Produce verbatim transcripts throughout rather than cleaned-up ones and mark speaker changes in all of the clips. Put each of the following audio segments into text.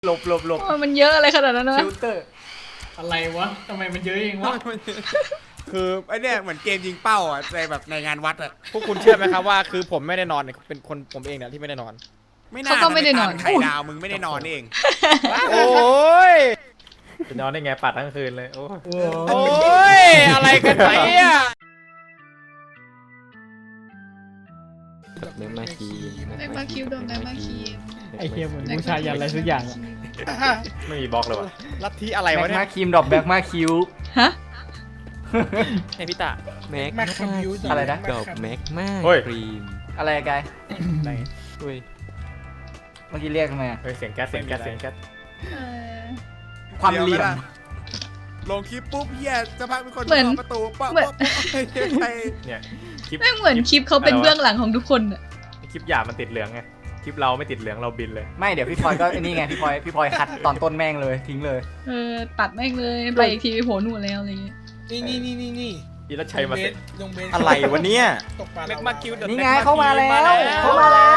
Speaker 1: หลบหลบหลบ
Speaker 2: มันเยอะอะไรขนาดนั้นนะ
Speaker 1: ฟิลเตอร์
Speaker 3: อะไรวะทำไมมันเยอะเองวะ
Speaker 4: คือไอเนี่ยเหมือนเกมยิงเป้าอ่ะในแบบในงานวัดอ่ะ
Speaker 1: พวกคุณเชื่อไหมครับว่าคือผมไม่ได้นอนเนี่ยเป็นคนผมเองเนี่ยที่ไม่ได้นอน
Speaker 4: ไม่น่าไข่ดาวมึงไม่ได้นอนเอง
Speaker 1: โอ้ย
Speaker 5: จะนอนได้ไงปัดทั้งคืนเลยโอ้ย
Speaker 1: โอ้ยอะไรกันเนี่ย
Speaker 6: แมกมาคี
Speaker 2: แม็กมาคิวโดนแม็กมาคิว
Speaker 3: ไอเฮียเหมือนบูชายันอะไรสักอย่างอะ
Speaker 5: ไม่มีบล็อกเลยวะ
Speaker 1: ลัทธิอะไร
Speaker 6: แม
Speaker 1: วะ
Speaker 6: ก
Speaker 1: เนี่
Speaker 6: มาย คีมดอกแบกมาคิว
Speaker 2: ฮะ
Speaker 1: ไอพี่ตา
Speaker 6: แมกมาอะไรนะดอกแมกมาครีมอะไรกายอุ้ยเมื่อกี้เรียกทำไม
Speaker 5: เฮ้ยเสียงแก๊สเสียงแก๊สเสียงแก๊ส
Speaker 2: เออ
Speaker 6: ความเหลี่ยม
Speaker 4: ลงคลิปปุ๊บเฮียจะพักเป็นคน
Speaker 2: เหมือน
Speaker 4: ประตูปั๊บ
Speaker 2: เหมือน
Speaker 4: ใคร
Speaker 5: เนี่ยคลิป
Speaker 2: แม่งเหมือนคลิปเขาเป็นเบื้องหลังของทุกคนอะ
Speaker 5: คลิปหยาบมันติดเหลืองไงคลิปเราไม่ติดเหลืองเราบินเลย
Speaker 6: ไม่เดี๋ยวพี่พลอยก็ไอ้นี่ไงพี่พลอยพี่พลอยคัดตอนต้นแม่งเลยทิ้งเลย
Speaker 2: เออตัดแม่งเลยไปอีกทีไปโผล่หนู่นแล้วอะไรเงี้ย
Speaker 7: นี่นี่นี่นี่นี่
Speaker 5: อีรัชชัยมาเสร็จ
Speaker 7: ลงเบส
Speaker 1: อะไรวะเนี่ย
Speaker 7: ตกปลา
Speaker 1: แม็กมาคิว
Speaker 6: นี่ไงเข้ามาแล้วเข้ามาแล้ว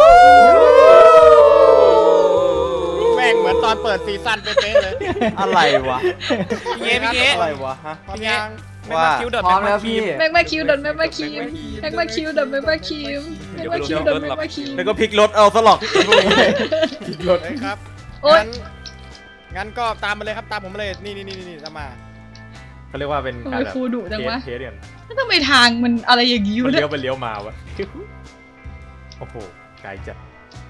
Speaker 1: แม่งเหมือนตอนเปิดซีซั่นเป๊ะเลย
Speaker 4: อะไรวะ
Speaker 1: พี่เงี้พี่เงี้
Speaker 4: อะไรวะฮะ
Speaker 1: พี่เงี้แม็กมาคิวเดิน
Speaker 6: พร้อมแล้วพี่
Speaker 2: แม็กมาคิวโดนแม็กมาคิวแม็กมาคิวโดนแม็กมาคิวแม็กมาคิวโดนแม็กมาคิว
Speaker 1: แล้วก็พลิกรถเอาสลอก
Speaker 5: พลิกรถ
Speaker 1: ครับ
Speaker 2: โอ๊ย
Speaker 1: งั้นก็ตามมาเลยครับตามผมมาเลยนี่นี่นี่นี่ตามมา
Speaker 5: เขาเรียกว่าเป็น
Speaker 2: ทำ
Speaker 5: กา
Speaker 2: ไม
Speaker 5: รแบบ
Speaker 2: ครูดุจังวะ
Speaker 5: เทสเรียน
Speaker 2: แล้วทำไมทางมันอะไรอย่างงี้
Speaker 5: มัน
Speaker 2: วะเนี่
Speaker 5: เลี้
Speaker 2: ย
Speaker 5: ยวไปเลี้ยวมาวะโอ้โหไกลจัด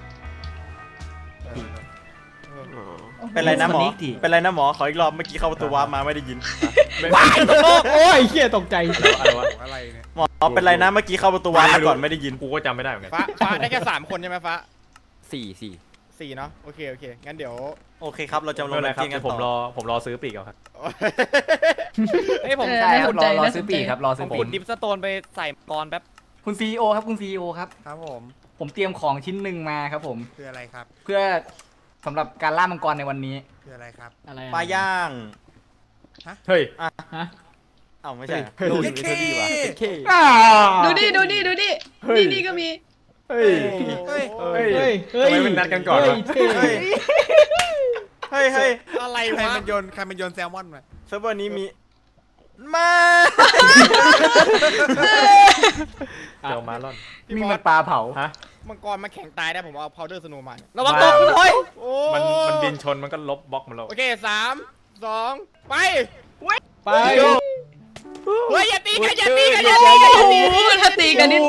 Speaker 1: เป็นไรนะหมอ
Speaker 6: สนิทดิ
Speaker 1: เป็นไรนะหมอขออีกรอบเมื่อกี้เข้าประตูวาร์ปมาไม่ได้ยิน
Speaker 5: ว้าย
Speaker 3: โอ้ยเฮียตกใจ
Speaker 5: อะไรวะ
Speaker 4: อะไรเนี่ย
Speaker 1: หมอเป็นไรนะเมื่อกี้เข้าประตูวาร์ปมาก่อนไม่ได้ยิน
Speaker 5: กูก็จำไม่ได้เหมือนกัน
Speaker 1: ฟ้าฟ้าได้แค่สามคนใช่ไหมฟ้า
Speaker 6: สี่สี่
Speaker 1: สี่เนาะโอเคโอเคงั้นเดี๋ยวโอเคครับเราจะล
Speaker 5: ไม่
Speaker 1: ง
Speaker 5: เป็นไร
Speaker 1: แรง
Speaker 5: ครับ
Speaker 1: กิ้งกัน
Speaker 5: ผมร
Speaker 1: ต่อ
Speaker 5: อผมรอซื้อปีกเอาครับ
Speaker 1: เฮ้ยผม
Speaker 2: เออ
Speaker 6: ใช่ค
Speaker 2: น่า
Speaker 6: รั
Speaker 2: ส
Speaker 6: บ
Speaker 2: น
Speaker 6: ร
Speaker 2: ใจ
Speaker 6: อรอ
Speaker 2: น่าส
Speaker 6: ซื้อน
Speaker 2: ใจ
Speaker 6: ปีกครับรอซื้อ
Speaker 1: ผม
Speaker 6: ปี
Speaker 1: ขุ
Speaker 6: ก
Speaker 1: ดดิฟสโตนไปใส่กรแป๊บ
Speaker 6: คุณซีโอครับคุณซีโอครับ
Speaker 4: ครับผม
Speaker 6: ผมเตรียมของชิ้นหนึ่งมาครับผม
Speaker 4: คืออะไรครับ
Speaker 6: เพื่อสำหรับการล่ามังกรในวันนี้
Speaker 4: คืออะไรครับ
Speaker 3: อะไรอะ
Speaker 1: ปลาย่าง
Speaker 5: เฮ้ย
Speaker 3: ฮะ
Speaker 1: เอ้าไม่ใช่
Speaker 5: เฮ้ย
Speaker 1: ดูอยู่ในเทอรี่ว่ะ
Speaker 6: เค
Speaker 2: ดูดิดูดิดูดิ
Speaker 5: เฮ้ย
Speaker 2: นี่นี่ก็มี
Speaker 5: เฮ้ย
Speaker 4: เฮ้ย
Speaker 5: เฮ้ย
Speaker 3: เฮ้ยเฮ้ย
Speaker 5: ทำไมมันนัดกันก่อนวะ
Speaker 3: เฮ้ย
Speaker 1: เฮ้ยเฮ้ยเฮ้ยอะไร
Speaker 4: ใคร
Speaker 1: วะ
Speaker 4: มันโยนใครมันโยนแซลมอนมา
Speaker 1: เซิร์ฟเวอร์นี้มีมา
Speaker 5: เจ้ามาล่อน
Speaker 6: มีมันปลาเผา
Speaker 5: ฮะ
Speaker 1: มังกรมาแข่งตายได้ผมเอาพาวเดอร์สโนว์มาระวังตกคุณพลอยโอ้
Speaker 5: มันมันบินชนมันก็ลบบล็อกมันแล้ว
Speaker 1: โอเคสามสองไป
Speaker 3: ไป
Speaker 1: เฮ้ยอย่าตีกันอย่าตีกันอย่าตีกัน
Speaker 2: โอ้โหถ้าตีกันนี่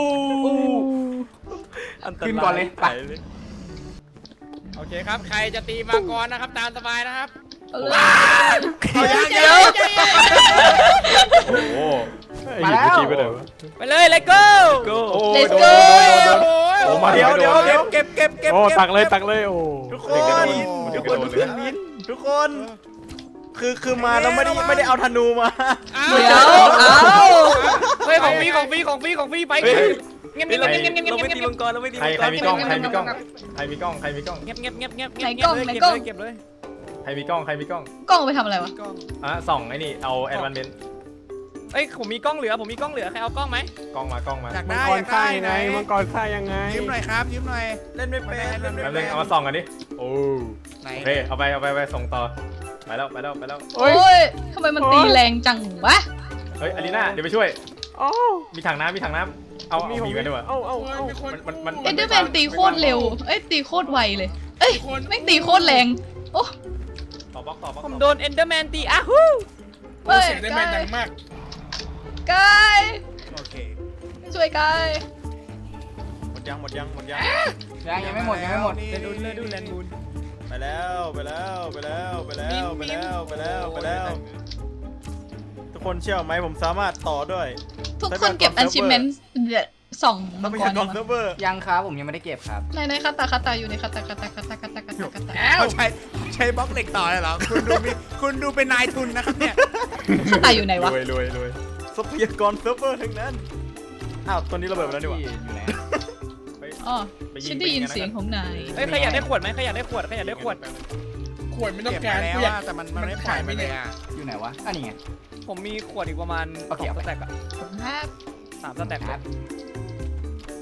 Speaker 6: ขึ้นก่อนเลยไป
Speaker 1: โอเคครับใครจะตีมังกรนะครับตามสบายนะครับ
Speaker 2: เอาเลย
Speaker 1: เอายัง
Speaker 2: เดี๋
Speaker 1: ยั
Speaker 2: ยว
Speaker 1: งยัง
Speaker 5: โอ้โหไอ้หยิบไปทีไปเลยวะ
Speaker 1: ไปเลย let's go
Speaker 5: โอ้
Speaker 2: Let's
Speaker 5: โด
Speaker 2: go
Speaker 5: นโดนโดน
Speaker 1: โอ้
Speaker 5: โอ้มา
Speaker 1: เดี๋ยวเดี๋ยว
Speaker 5: เดี๋
Speaker 1: เดี๋
Speaker 5: ย
Speaker 1: ยว วเก็บเก็บเก็บ
Speaker 5: โอ้ตักเลยตักเลยโอ้
Speaker 1: ทุกค
Speaker 5: เด็กกระ
Speaker 1: น
Speaker 5: โดด
Speaker 1: ทุ
Speaker 5: เด็
Speaker 1: ก
Speaker 5: ก
Speaker 1: ค
Speaker 5: กระ
Speaker 1: น
Speaker 5: โดด
Speaker 1: ทุก
Speaker 5: เลย
Speaker 1: คนทุกคน คือคือมาแล้วไม่ได้ไม่ได้เอาธนูมา
Speaker 2: เดี๋ยวเอา
Speaker 1: เฮ้ยของฟรีของฟรีของฟรีของฟรีไป
Speaker 5: เฮ้ย
Speaker 1: เงียบเงียบเงียบเงียบเงียบเงียบเงียบเงียบ
Speaker 5: ใครใครมีกล้องใครมีกล้องใครมีกล้องใครมีกล้อง
Speaker 1: เงียบเงียบเงียบเงียบ
Speaker 2: ไหนกล้องไหนกล้อง
Speaker 1: เก็บเลย
Speaker 5: ใครมีกล้องใครมีกล้อง
Speaker 2: กล้องไปทำอะไรวะ
Speaker 5: อ่ะส่องไอ้นี่เอาแอดวานเมนต์
Speaker 1: เอ้ยผมมีกล้องเหลือผมมีกล้องเหลือใครเอากล้องไหม
Speaker 5: กล้องมากล้องมา
Speaker 4: อยาก
Speaker 7: มัง
Speaker 4: ได้
Speaker 7: ก
Speaker 4: อ
Speaker 7: ร
Speaker 4: ยาก
Speaker 7: ฆ่า
Speaker 4: ได้
Speaker 7: ยังไงมังกรฆ่ายังไง
Speaker 4: ยืมหน่อยครับยืมหน่อย
Speaker 1: เล่นไม่เป็นเล่นไม่
Speaker 5: แป๊บ
Speaker 1: เป็
Speaker 5: นึ
Speaker 1: น
Speaker 5: งเอามาส่องกันดิโอ้
Speaker 4: ไหน
Speaker 5: โอเคเอาไปเอาไปไปส่งต่อไปแล้วไปแล้วไปแล้ว
Speaker 2: โอ้ยทำไมมันตีแรงจังวะ
Speaker 5: เฮ้ยอลีน่าเดี๋ยวไปช่วย
Speaker 7: โอ้
Speaker 5: มีถังน้ำมีถังน้ำเอาเอามีกันด้วยวะ
Speaker 7: เอาเอาเอา
Speaker 5: มันมัน
Speaker 2: เอ็นเดอร์แมนตีโคตรเร็วเอ้ยตีโคตรไวเลย เอ้ยแม่งตีโคตรแรงโอ้
Speaker 5: ต่อบล็อกต่อบล็อก
Speaker 1: ผมโดนเอนเดอร์แมนตีอ้าฮู
Speaker 2: เฮ้ย
Speaker 7: เสียงได้แมนดังมาก
Speaker 2: กาย
Speaker 4: โอเค
Speaker 2: ช่วยกาย
Speaker 1: หมดยังหมดยังหมดยัง
Speaker 6: ยังยังไม่หมดยังไม่หมด
Speaker 1: เลนดูนเลนดูนเลนดูนไปแล้วไปแล้วไปแล้วไปแล้วไปแล้วไปแล้วไปแล้วทุกคนเชื่อไหมผมสามารถต่อด้วย
Speaker 2: ทุกคนเก็บ achievement สอง
Speaker 1: ทรั
Speaker 2: มั
Speaker 1: พ
Speaker 2: งก
Speaker 1: ยาร กร
Speaker 2: มา
Speaker 1: เซิร์ฟเวอร์
Speaker 6: ยังครับผมยังไม่ได้เก็บครับ
Speaker 2: ในในคาตาคาตาอยู่ในคาตาคาตาคาตาคาตาคาตาคาตา
Speaker 4: เขาใช้ใช้บล็อกเหล็กต่อเลยเหรอคุณดูมีคุณดูเป็นนายทุนนะครับเนี่ย
Speaker 2: คาตาอยู่ไหน
Speaker 5: ร
Speaker 2: วะ
Speaker 5: วยรวยรวย
Speaker 1: ทรัพยากรเซิร์ฟเวอร์ทั้งนั้นอ้าวตัวนี้ระเบิดไปแล้วดีกว่า
Speaker 6: อยู่ไหน
Speaker 2: อ๋อฉันได้ยินเสียงของนาย
Speaker 1: เฮ้ยใครอยากได้ขวดไหมใครอยากได้ขวดใครอยากได้ขวด
Speaker 7: ขวดไม่ต้อง
Speaker 4: เก็บ
Speaker 7: การ
Speaker 4: มาแล้ว
Speaker 7: กูอยา
Speaker 4: อะ
Speaker 7: ก
Speaker 4: แต่มันมันไม่ปล่อยไปเลยอ่ะ
Speaker 6: อยู่ไหนวะอันนี้ไง
Speaker 1: ผมมีขวดอีกประมาณ
Speaker 6: โอเค
Speaker 1: สองสแต็กอะ
Speaker 2: ครับ
Speaker 1: สามสแต็ก
Speaker 6: ครับ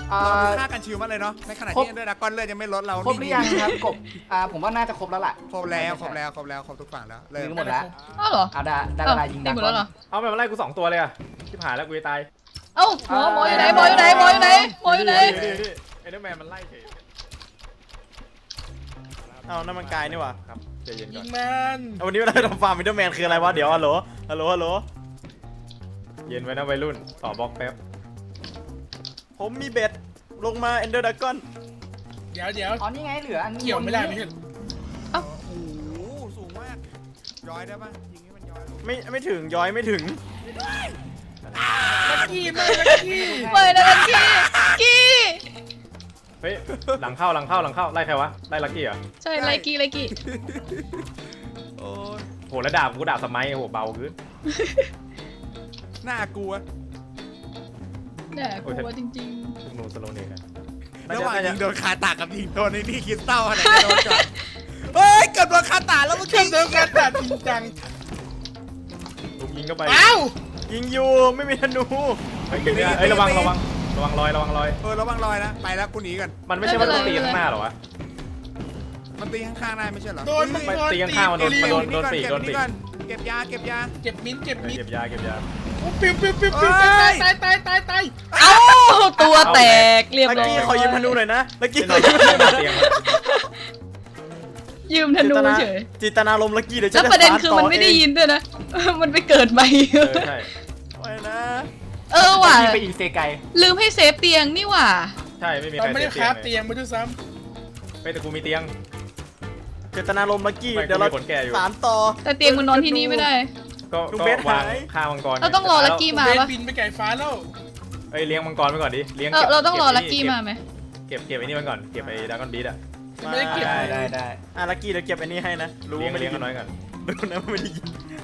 Speaker 6: อ่า
Speaker 4: เราดูค่ากันชิวมากเลยเนาะในขณะ
Speaker 6: ครบ
Speaker 4: ที่ด้วยนะก้อนเลือดยังไม่ลดเรา
Speaker 6: ครบหรือยังครับกบอ่าผมว่าน่าจะครบแล้วล่ะ
Speaker 4: ครบแล้วครบแล้วครบแล้วครบทุกฝั่งแล้วเริ่
Speaker 6: ยิ
Speaker 4: ม
Speaker 6: งหมดแล้ว
Speaker 2: อ้าวเหรอ
Speaker 6: เอาได้ได้
Speaker 2: อ้า
Speaker 6: เว
Speaker 2: ว
Speaker 6: ลายิง
Speaker 2: ตี
Speaker 6: ดา
Speaker 2: หมด
Speaker 6: กอ
Speaker 2: แล้ว
Speaker 6: น
Speaker 2: เหรอ
Speaker 5: เอาแบบมาไล่กูสองตัวเลยอะชิบหายแล้วกูจะตาย
Speaker 2: เอ้าหมอหมออยู่ไหนหมออยู่ไหนหมออยู่ไหนหมออยู่ไหน
Speaker 5: นี่นี่นี่ไอ้เดอร์แมนมันไล่เฉย
Speaker 1: เอานั่นมันกายนี่หว่า
Speaker 5: ครับใจเย็นก่
Speaker 7: ยิ
Speaker 5: อน
Speaker 7: งมัน
Speaker 1: เอาวันนี้เราทำฟาร์มมิดเดิลแมนคืออะไรวะเดี๋ยวฮัลโหลฮัลโหลฮัลโหล
Speaker 5: เย็นไว้นะวัยรุ่นต่อบล็อกแป๊บ
Speaker 1: ผมมีเบ็ดลงมาเอนเดอร์ดากอน
Speaker 7: เดี๋ยวเดี๋ยว
Speaker 6: อ๋อนี่ไงเหลืออัน
Speaker 7: เกี่ยวไม่ได้ไม่ใช่เหรอ
Speaker 4: โอ้โหสูงมากย้อยได้ปะยิงให้มันย้อยลง
Speaker 1: ไม่ไม่ถึงย้อยไม่ถึง
Speaker 7: ลักกี้มากลักกี้
Speaker 2: ไม่นะลักกี้กี้
Speaker 5: เฮ้ยหลังเข้าหลังเข้าหลังเข้าไล่ใครวะไล่ลักกี้เหรอ
Speaker 2: ใช่ไลกี้ไลกี้
Speaker 4: โอ้ย
Speaker 5: โหแล้วดาบกูดาบสมัยโหเบาขึ้น
Speaker 4: น่ากลัว
Speaker 2: แน่กลัวจริง
Speaker 5: ทุกนูสโลเนกอะ
Speaker 4: ระหว่างยิงโดนคาตากับยิงโดนไอ้นี่คริสตัลอะไรจะโดนก่อนเฮ้ยเกิดโดนคาตาแล้วเมื่อ
Speaker 7: เชื่
Speaker 4: กี้
Speaker 7: อมเดิมกันตัดจริงจัง
Speaker 5: ลุกยิงเข้าไป
Speaker 7: เอ้า
Speaker 1: ยิงอยู่ไม่มีธนู
Speaker 5: เฮ้ยเก็บไม่ได้เอ้ยระวังระวังระวังรอยระวังรอย
Speaker 4: เออระวังรอยนะไปแล้วกูหนีกัน
Speaker 5: มันไม่ใช่ว่าต้องตีข้างหน้าหรอวะ
Speaker 4: มันตีข้างๆได้ไม่ใช่เหรอ
Speaker 7: โดนมัน
Speaker 5: ไป
Speaker 7: โดน
Speaker 5: ตีข้างๆมันโดนมันโดน
Speaker 4: เก็บนี่ก่อนเก็บนี่ก่อนเก็บยาเก็บยา
Speaker 7: เก็บมิ้นเก็บมิ้น
Speaker 5: เก็บยาเก็บยา
Speaker 7: โอ้ปิวปิวปิวปิว
Speaker 4: เอ้
Speaker 7: ตาย
Speaker 4: ย
Speaker 7: ตายตายตายตาย
Speaker 2: ๆ เอ้าตัวแตกเรียบ
Speaker 1: ลัก
Speaker 2: ร้อย
Speaker 1: กี้ขอยืมธนูหน่อยนะลักกี้ข
Speaker 5: เล่
Speaker 1: อน ยืมธนูหน่อย
Speaker 5: เตียง
Speaker 2: ยืมธนูเฉย
Speaker 1: จิตนาลมลักกี้เดี๋ยว
Speaker 2: แล้
Speaker 1: จะ
Speaker 2: วประเด็นคือมันไม่ได้ยินด้วยนะ มันไปเกิดใหม่
Speaker 5: เออใช่
Speaker 1: ไปนะ
Speaker 2: เออว่ะ
Speaker 6: ยิงไปอีกเซไก
Speaker 2: ลืมให้เซฟเตียงนี่ว่ะ
Speaker 5: ใช่ไม่มีใค
Speaker 7: เรา
Speaker 5: ร
Speaker 7: ไม่ได้
Speaker 5: เตี
Speaker 7: คาย บ
Speaker 5: ง
Speaker 7: เตียงมาด้วยซ้
Speaker 5: ไปแต่กูมีเตียง
Speaker 1: เจตนาลมลักกี้
Speaker 5: ไม่
Speaker 1: เดี๋ยวเรา
Speaker 5: กูมีขนแกะอยู่
Speaker 1: สารต่อ
Speaker 2: แต่เตียงมันนอนที่นี่ไม่ได้
Speaker 5: ก็
Speaker 1: ลูก
Speaker 5: ก็
Speaker 1: เบส
Speaker 5: วาง
Speaker 1: หาย
Speaker 5: ฆ่ามังกร
Speaker 2: เราต้องรอลักกี้
Speaker 7: ำ
Speaker 2: มา
Speaker 7: เบน
Speaker 2: ปะ
Speaker 7: บินไปไก่ฟ้าแล้ว
Speaker 5: เอ้ยเลี้ยงมังกรไปก่อนดิเลี้ยง
Speaker 2: เออ
Speaker 5: ก็บ
Speaker 2: เราต้องรอ
Speaker 5: ก็บ
Speaker 2: ลักกี้มาไหม
Speaker 5: เก็บเก็บไอ้นี่มันก่อนเก็บไอ้ดากอนบีดอะ
Speaker 7: ไม่ได้เก็บ
Speaker 6: ได้ได้ได้
Speaker 1: อ่ะลักกี้เดี๋ยวเก็บอันนี้ให้นะรู้
Speaker 5: เลี้ยง
Speaker 1: ว่าไม่
Speaker 5: เลี้
Speaker 1: ได้
Speaker 5: ยง
Speaker 1: ยิ
Speaker 5: กัน
Speaker 1: น
Speaker 5: น้อยก่อน
Speaker 1: รู้นะว่าไม่ได้ยิน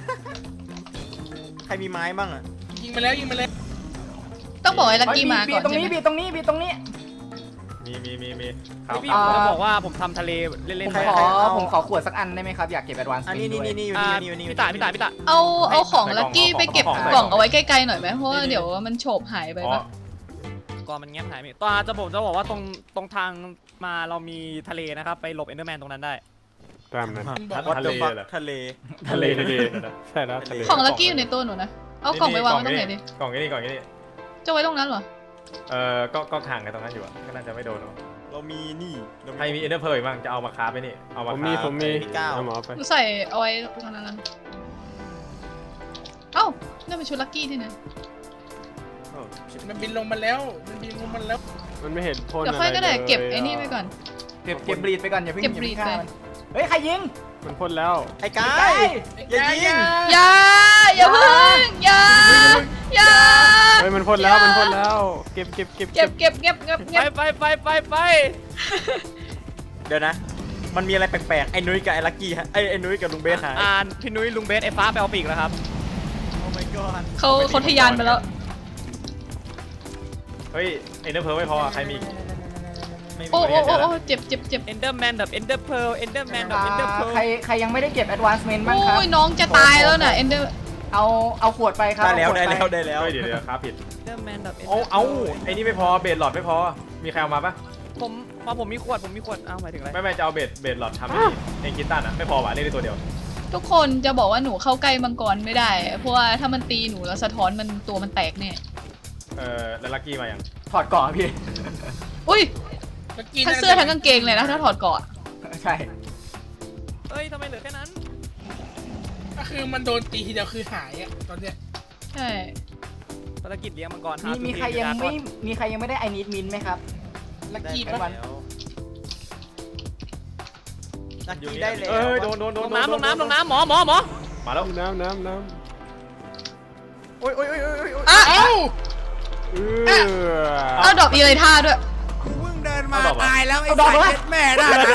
Speaker 1: ใครมีไม้บ้างอ่ะ
Speaker 7: ยิงมาแล้วยิงมาแล้ว
Speaker 2: ต้องบอกให้ลักกี้มา
Speaker 6: บี
Speaker 2: ก่อน
Speaker 6: ตรง
Speaker 2: ใช่
Speaker 6: นี้
Speaker 2: ไหม
Speaker 6: บีตรงนี้บีตรงนี้
Speaker 5: มีมีมีมีขาว
Speaker 8: พี่
Speaker 5: ขาว
Speaker 8: ผมจะบอกว่าผมทำทะเลเล่น
Speaker 6: ผม
Speaker 8: ๆ
Speaker 6: ขอ
Speaker 1: เอา
Speaker 6: ผมขอขวดสักอันได้ไหมครับอยากเก็บแอดวานซ์
Speaker 1: อันนี้นี่นี่นี่อยู่
Speaker 8: อ่า
Speaker 1: นี่อยู่นี่อยู่
Speaker 8: พี่ตาพี่ตาพี่ตา
Speaker 2: เอาเอาของลักกี้ไปเก็บกล่องเอาไว้ใกล้ๆหน่อยไหมเพราะว่าเดี๋ยวมันโฉบหายไป
Speaker 5: อ๋อ
Speaker 2: ปะ
Speaker 8: ก่อนมันแง้มหายไปตอนจะผมจะบอกว่าตรงตรงทางมาเรามีทะเลนะครับไปหลบเอนเดอร์แมนตรงนั้นได้
Speaker 7: ตามนั้น
Speaker 1: วัด
Speaker 5: ทะ
Speaker 1: เด
Speaker 5: เล
Speaker 1: อะฟัก
Speaker 5: เหรอ
Speaker 1: ทะเล
Speaker 5: ทะเลทะเล
Speaker 7: ใช่แล้วทะเล
Speaker 2: ของลักกี้อยู่ในตัวหนูนะ เอากล่องไปวางไว้ตรงไหนดิ
Speaker 5: กล่องนี้กล่องนี้
Speaker 2: จะไว้ตรงนั้นเหรอ
Speaker 5: เออก็ก็ห่างกันตรงนั้นอยู่อะก็น่าจะไม่โดนหรอก
Speaker 1: เรามีนี่เรา
Speaker 5: ใครมีเอเดอร์เพย์บ้างจะเอามาคาไปนี่เอา
Speaker 7: ผม
Speaker 5: าม
Speaker 7: มี
Speaker 5: คา
Speaker 7: ผมมี
Speaker 1: พี่ก้าว
Speaker 7: เอาหมอไป
Speaker 2: หนูใส่เอาไว้ตรงนั้นนะเอ้านั่นเป็นชุดลักกี้ที่ไหน
Speaker 1: โอ้ชิบ
Speaker 7: มันบินลงมาแล้วมันบินลงมาแล้ว
Speaker 9: มันไม่เห็นพ่น
Speaker 2: เดี๋ยวค่อยก็ได้เก็บไอ้นี่ไปก่อน
Speaker 6: เก็บเก็บบรีดไปก่อนอย่าเพิ่ง
Speaker 2: เก็บ
Speaker 6: อย่า
Speaker 2: บรี
Speaker 6: เพิ่
Speaker 2: ด
Speaker 6: งฆ่า
Speaker 2: ไป
Speaker 6: มันเฮ้ยใครยิง
Speaker 9: มันพ่นแล้ว
Speaker 1: ไอ้กา
Speaker 6: ใกล้
Speaker 1: ยอย่ายิง
Speaker 2: อย่าอย่าเพิ่งอย่าอย่า
Speaker 9: เฮ้ยมันพ่นแล้วมันพ่นแล้ว เก็บเก็บเก็บ
Speaker 2: เก็บเก็บเก็บเก็บ
Speaker 8: ไป
Speaker 2: เก็บ
Speaker 8: ไปไปไปไป
Speaker 1: เดี๋ยวนะ มันมีอะไรแปลกๆไอ้นุ้ยกับไอ้ลักกี้ฮะไอ้ไอ้นุ้ยกับลุงเบสหาย
Speaker 8: อ่านพี่นุ้ยลุงเบสไอ้ฟ้าไปเอาปีกแล้วครับ
Speaker 1: โอ้ my god
Speaker 2: เขาเขาทะยานไปแล้ว
Speaker 5: เฮ้ยเอเดอร์เพย์ไม่พอใครมีไม่มี
Speaker 2: โอ้
Speaker 5: คน
Speaker 2: โอ้
Speaker 5: เดียว
Speaker 2: โอ้
Speaker 5: แล้ว
Speaker 2: โอ้เจ็บเจ็บเจ็บ
Speaker 8: เอนเดอร์แมนดับเอนเดอร์เพลเอนเดอร์แมนดับเอนเดอร์เพล
Speaker 6: ใครใครยังไม่ได้เก็บแอดวานซ์เมนต์บ้างครับ
Speaker 2: โอ้ยน้องจะตายแล้วน่ะเอนเดอร์
Speaker 6: เอาเอาขวดไปครับ
Speaker 1: ได้แล้ว
Speaker 6: เอาข
Speaker 1: ได้
Speaker 6: ด
Speaker 1: แล้ว
Speaker 6: ไป
Speaker 1: ได้แล้ว
Speaker 5: เฮ้ยเดี๋ยวเดี๋ยวครับผิด
Speaker 8: เอนเดอร์แมนดับ
Speaker 5: เอาเอาไอ้นี่ไม่พอเบสหลอดไม่พอมีใครเอามาปะ
Speaker 8: ผมมาผมมีขวดผมมีขวดเอาหมายถึงอะไร
Speaker 5: ไม่ไม่จะเอาเบสเบสหลอดทำไอ้นี่เองกินตันอ่ะไม่พอว่ะนี่ได้ตัวเดียว
Speaker 2: ทุกคนจะบอกว่าหนูเข้าใกล้มังกรไม่ได้ เพราะว่าถ้ามันตีหนูแล้วสะท้อนมันตัวมันแตกเนี่ย
Speaker 5: เออแล้วลักกี้มายัง
Speaker 6: ถอดเกาะพี่
Speaker 2: อุ้ย
Speaker 7: ลักกี้
Speaker 2: ทั้งเสื้อทั้งกางเกงเลยนะถ้าถอดเกาะ
Speaker 6: ใช่
Speaker 8: เอ้ยทำไมเหลือแค่นั้น
Speaker 7: ก็คือมันโดนตีทีเดียวคือหายอ่ะตอนเนี้ย
Speaker 2: ใช่
Speaker 8: ภารกิจเลี้ยงมังกร
Speaker 6: มีมีใครยังไม่มีใครยังไม่ได้ไอนิดมินไหมครับ
Speaker 7: ลักกี้
Speaker 1: ได้
Speaker 7: ปะ
Speaker 1: แล้วลักกี้ได้แล้ว
Speaker 5: เออโดนโดนโด
Speaker 8: ล
Speaker 5: น
Speaker 8: งน้ำลงน้ำลงน้ำหมอหมอหมอ
Speaker 5: มาแล้ว
Speaker 9: น้ำน้ำน้
Speaker 1: โอ้ยโอ้ยโอ้ยโอ้ยโอ้ย
Speaker 2: อ่ะ
Speaker 7: เอ้า
Speaker 9: ำเออ
Speaker 2: เอาดอกอีเลยท่าด้วย
Speaker 4: กูเพิ่งเดินมาตายแล้วไอ้สายเช็ดแม่ได้นะ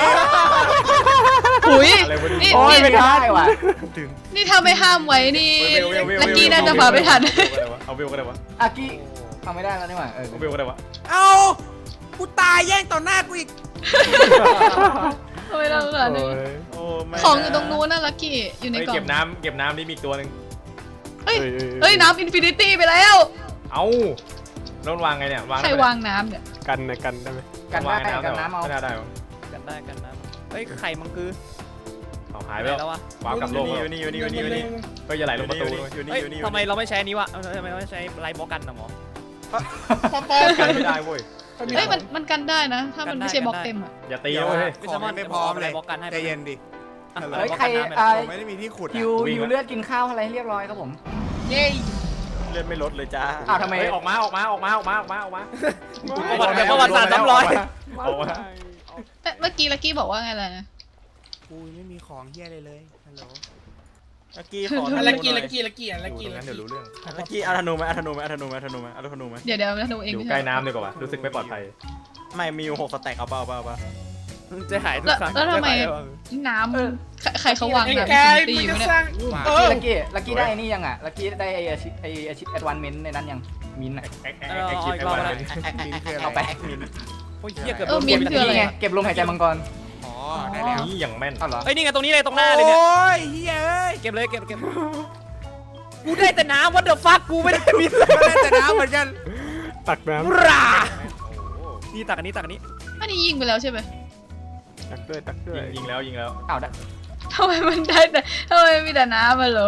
Speaker 2: หุย
Speaker 5: อะไรวะ
Speaker 2: นี่
Speaker 6: โอ้ย
Speaker 2: นี่
Speaker 6: ไม่ได้ว่ะ
Speaker 2: นี่ถ้าไม่ห้ามไว้นี่
Speaker 5: เวลเวลเวล
Speaker 2: ลักกี้น่าจะมาไม่ทัน
Speaker 5: เอาเวลก็ได้วะ
Speaker 6: อากี้ทำไม่ได้แล้วนี่หว่าเออ
Speaker 5: เอาเวลก็ได้วะ
Speaker 4: เอากูตายแย่งต่อหน้ากูอีก
Speaker 2: ทำไมเราขนาดนี้
Speaker 9: โอ้ย
Speaker 1: โอ้ไม่
Speaker 2: ของอยู่ตรงนู้นน่ะลักกี้อยู่ใน
Speaker 5: เฮ้ย
Speaker 2: กล่อ
Speaker 5: เก็
Speaker 2: ง
Speaker 5: บน้ำเก็บน้ำนี่มีอีกตัวหนึ่ง
Speaker 2: เฮ้ยเฮ้ยน้ำอินฟินิตี้ไปแล้ว
Speaker 5: เอาแล้วมันวางไงเนี่ยวาง
Speaker 2: ใคร
Speaker 5: ได้ไหม
Speaker 2: วางน้ำเนี่ย
Speaker 9: กันนะกันได้ไหม
Speaker 6: กันได้
Speaker 5: วางใน
Speaker 6: กันน้ำเอา
Speaker 5: ไม่น่าได้หรอ
Speaker 8: กันได้กันน้ำเฮ้ยไข่มังคือ
Speaker 5: เอาหายไป
Speaker 8: ไหน
Speaker 5: แล้
Speaker 8: แล้ว ววะ
Speaker 5: วางกลับโลก
Speaker 1: อ
Speaker 5: แล้ว
Speaker 1: ยู่นี่อยู่นี่อยู่นี่อยู่นี่
Speaker 5: ก็อย่าไหลลงประตู
Speaker 1: อยู่นี่
Speaker 8: เฮ้ย
Speaker 1: อยู่นี่
Speaker 8: ทำไมเราไม่ใช้อันนี้วะเออทำไมเราไม่ใช้ไลท์บล็อกกันนะหมอ
Speaker 7: ปอปอ
Speaker 5: กันไม่ได้เว้ย
Speaker 2: เฮ้ยมันมันกันได้นะ ถ้ามัน
Speaker 8: กันได้
Speaker 2: ไม่ใช่บล็อก
Speaker 8: กันได้
Speaker 2: เต็มอ่ะ
Speaker 5: อย่าตีนะเว้ย
Speaker 4: ของยังไม่พร้อมเลย
Speaker 8: บล็อกกันให้
Speaker 4: ใจเย็นดิ
Speaker 6: เฮ้ยใคร
Speaker 8: อ่ะ
Speaker 6: อ่า
Speaker 4: ผมไม่ได้มีที่ขุด
Speaker 6: ฮิ
Speaker 4: อะ
Speaker 6: ว
Speaker 5: วิ่ง
Speaker 6: ฮิว
Speaker 5: ละ
Speaker 6: เลือดกินข้าวอะไรให้เรียบร้อยครับผม
Speaker 7: เย้
Speaker 1: เลือดไม่ลดเลยจ้า
Speaker 6: อ้าวทำไม
Speaker 5: เฮ้ยออกมาออกมาออกมาออกมาออกมาออกมา
Speaker 8: ประวัติประวัติศาสตร์ซ้ำรอย
Speaker 5: ออกมา
Speaker 2: เอ๊ะเมื่อกี้ลักกี้บอกว่าไงล่ะนะ
Speaker 4: กูไม่มีของเฮียเลยเลยฮัลโหล
Speaker 1: ลักกี้ขอ
Speaker 7: อะ
Speaker 1: ธ
Speaker 7: ไร
Speaker 1: นู
Speaker 7: กี้
Speaker 1: หน่
Speaker 7: ลั
Speaker 1: อย
Speaker 7: กกี้ลักกี้ลัก
Speaker 5: อยู่
Speaker 7: กี้
Speaker 5: ตรง
Speaker 7: ลั
Speaker 5: นั้
Speaker 7: ก
Speaker 5: นเดี๋ยว
Speaker 7: กี้
Speaker 5: รู้เรื่อง
Speaker 1: ลักกี้เอาธนูไหมเอาธนูไหมเอาธนูไหมเอาธนูไหมเอาธนูไหม
Speaker 2: เดี๋ยวเดี๋ยวนะหนูเอง
Speaker 5: อยู่
Speaker 2: ไม่
Speaker 5: ใกล้
Speaker 2: ใช่
Speaker 5: น้ำดีกว่ารู้สึกไม่ปลอดภัย
Speaker 1: ไม่มีอยู่หกสแต็กเอาเปล่าเอาเปล่าเอาเปล่า
Speaker 8: จะหายทุก
Speaker 2: แล้ว
Speaker 8: ครั้ง
Speaker 2: แล้วทำไม
Speaker 8: จะหาย
Speaker 2: น้ำใครใครเขาวาง
Speaker 7: ไอ้
Speaker 2: น้ำ
Speaker 7: กาย
Speaker 2: ตี
Speaker 7: มึ
Speaker 2: อง ยู่
Speaker 7: จะ
Speaker 2: เนี่ย
Speaker 7: สร้างเออ
Speaker 6: ลักกี้ลักกี้ได้ไอ้นี่ยังอ่ะลักกี้ได้ไอ้อาชิไอ้อาชิแอดวานเมนต์ในนั้นยังมินท์อะ
Speaker 5: แอ๊กแอ๊กแอ๊กคิดแอ๊กวันเป็น
Speaker 4: มินคืออะไร
Speaker 6: เอาไป
Speaker 8: โอ้ยเหี้ยเกือบ
Speaker 2: เอ
Speaker 8: โด
Speaker 2: อน มี
Speaker 8: เก็บ
Speaker 2: คืออะไร
Speaker 6: นี่ไงเก็บลมหายใจมังกร
Speaker 4: อ๋อได้แล้ว
Speaker 5: นี่อย่างแม่น
Speaker 6: อ้าวเหรอ
Speaker 8: เอ้ยนี่ไงตรงนี้เลยตรงหน้าเลยเนี่ย
Speaker 4: โอ้ยเฮียเอ้ย
Speaker 8: เก็บเลยเก็บเก็บกูได้แต่น้ำ what the fuck กูไม่ได้มี
Speaker 4: ก็ได้แต่น้ำเหมือนกัน
Speaker 9: ตักน้
Speaker 8: บรานี่ตักอันนี้ตักอันนี้
Speaker 2: อันนี้ยิงไปแล้วใช่ไหม
Speaker 9: ำตักด้วยตักด้วย
Speaker 5: ยิงยิงแล้วยิงแล้ว
Speaker 6: อ้าวได้
Speaker 2: ทำไมมันได้แต่ทำไมมีแต่น้ำมาเหรอ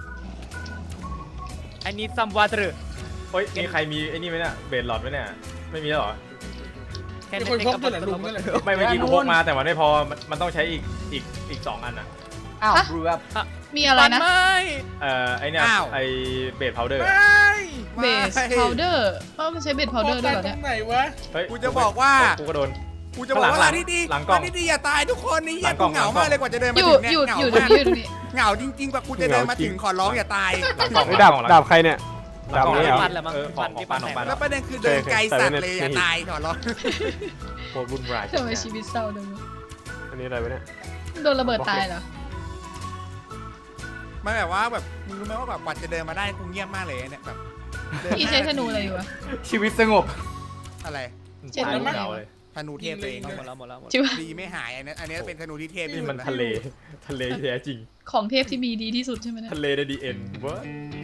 Speaker 8: I need some water
Speaker 5: เฮ้ยมีใครมีไอ้นี่ไหมเนี่ยเบดหลอดไหมเนี่ยไม่มีแล้วเหรอ
Speaker 8: แค่
Speaker 7: มีคนพกด้วยเหรอลุงนั่นแหละ
Speaker 5: ไม่เมื่อกี้กูพกมาแต่มันไม่พอมันมันต้องใช้อีกอีกอีกสองอันอ่ะ
Speaker 6: อ้าว
Speaker 2: ฮะ
Speaker 6: บรูแบบ
Speaker 2: มีอะไรนะ
Speaker 8: ไม่
Speaker 5: เอ่อไอเนี่ยไอเบดพาวเดอร์
Speaker 2: เบสพาวเดอร์เพราะมันใช้เบสพาวเดอร์ด้วยเหรอ
Speaker 7: ตร
Speaker 2: เนี่ย
Speaker 7: งไหนวะ
Speaker 5: เฮ้ย
Speaker 4: กูจะบอกว่า
Speaker 5: กูก็โดน
Speaker 4: กูจะบอกว่า
Speaker 5: หลั
Speaker 4: ร้าง นที่ดี
Speaker 5: หลังกล้อง
Speaker 4: ร้านที่ดีอย่าตายทุกคนนี่เฮี
Speaker 5: หลั
Speaker 4: ย
Speaker 5: งกล้
Speaker 4: กู
Speaker 5: อง
Speaker 4: เหงา
Speaker 5: หลังกล้อง
Speaker 4: มากเลยกว่าจะเดิน
Speaker 2: อ
Speaker 4: มา
Speaker 2: ยู่
Speaker 4: ถึงเนี่ย
Speaker 2: อยู่
Speaker 4: เหงา
Speaker 2: อยู่ตรง
Speaker 4: มาก
Speaker 2: นี้อยู่ตรงนี้
Speaker 4: เหงาจริงๆกว่ากูจะเดินมาถึงขอร้องอย่าตาย
Speaker 5: หลังกล่อง
Speaker 9: ไอ้ยดาบ
Speaker 5: หลังกล่อง
Speaker 9: ดาบใครเนี่ย
Speaker 5: หลังกล่อง
Speaker 9: ดาบนี้เหรอ
Speaker 8: ปันแหละมั้ง
Speaker 5: เออของของปันของปัน
Speaker 4: แล้วประเด็นคือเดินไกลสัตว์เลยอย่าตายขอร้อง
Speaker 5: โคตรวุ่นวาย
Speaker 2: ทำไมชีวิตเศร้าจังวะ
Speaker 9: อันนี้อะไรวะเนี่ย
Speaker 2: โดนระเบิดตายเหรอ
Speaker 4: มันแบบว่าแบบมึงรู้ไหมว่าแบบกว่าจะเดินมาได้กูเงียบมากเลยเนี่ยแบบเดิน
Speaker 2: พี่ใช้ธนูอะไรอยู่วะ
Speaker 6: ชีวิตสงบ
Speaker 4: อะไร
Speaker 2: เจ็ดแล้วมั้ง
Speaker 5: เหงาเลย
Speaker 4: ธนูเทพตัวเอง
Speaker 8: หมดแล้วหมดแล้วหมด
Speaker 2: จิว
Speaker 4: ดีไม่หายอันนี้อันนี้เป็นธนูที่เทพ
Speaker 5: นี่
Speaker 4: ที่สุ
Speaker 5: มั
Speaker 4: ด
Speaker 5: น
Speaker 4: แล้ว
Speaker 5: ทะเลทะเลแท้จริง
Speaker 2: ของเทพที่มีดีที่สุดใช่ไหมเนี่ย
Speaker 5: ทะเลในดีเอ็นเว้ย